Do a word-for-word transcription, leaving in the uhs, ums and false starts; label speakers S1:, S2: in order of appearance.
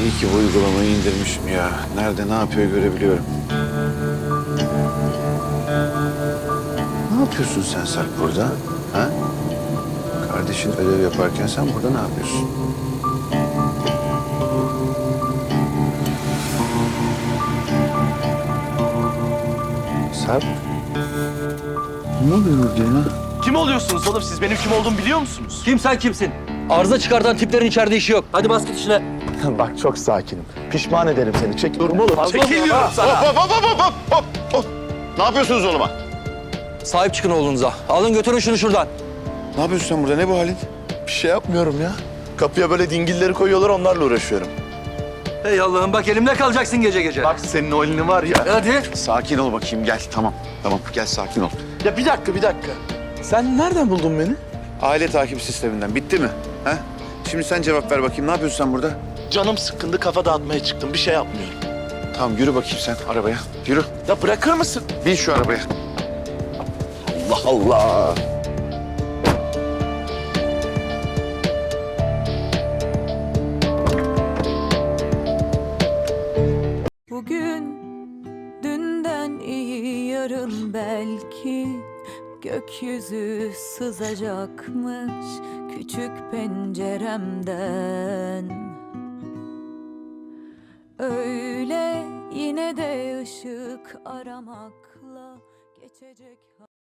S1: İyi ki bu uygulamayı indirmişim ya. Nerede ne yapıyor görebiliyorum. Ne yapıyorsun sen Sarp burada? Ha? Kardeşin ödev yaparken sen burada ne yapıyorsun? Sarp? Ne oluyor burada ya?
S2: Kim oluyorsunuz oğlum siz? Benim kim olduğumu biliyor musunuz?
S3: Kim sen kimsin? Arıza çıkartan tiplerin içeride işi yok. Hadi bas git işine.
S4: Bak çok sakinim. Pişman ederim seni. Çekiliyorum oğlum.
S2: Çekil diyorum sana.
S5: Hop hop hop hop hop hop hop. Ne yapıyorsunuz oğluma?
S3: Sahip çıkın oğlunuza. Alın götürün şunu şuradan.
S1: Ne yapıyorsun sen burada? Ne bu halin?
S4: Bir şey yapmıyorum ya. Kapıya böyle dingilleri koyuyorlar, onlarla uğraşıyorum.
S3: Hey Allah'ım bak elimde kalacaksın gece gece.
S4: Bak senin o elini var ya.
S3: Hadi.
S1: Sakin ol bakayım gel. Tamam. Tamam gel sakin ol.
S4: Ya bir dakika, bir dakika. Sen nereden buldun beni?
S1: Aile takip sisteminden. Bitti mi? Ha? Şimdi sen cevap ver bakayım. Ne yapıyorsun sen burada?
S4: Canım sıkkındı, kafa dağıtmaya çıktım. Bir şey yapmıyorum.
S1: Tamam yürü bakayım sen arabaya. Yürü.
S4: Ya bırakır mısın?
S1: Bin şu arabaya.
S4: Allah Allah.
S6: Bugün dünden iyi yarın belki gökyüzü sızacakmış küçük penceremden. Öyle yine de ışık aramakla geçecek.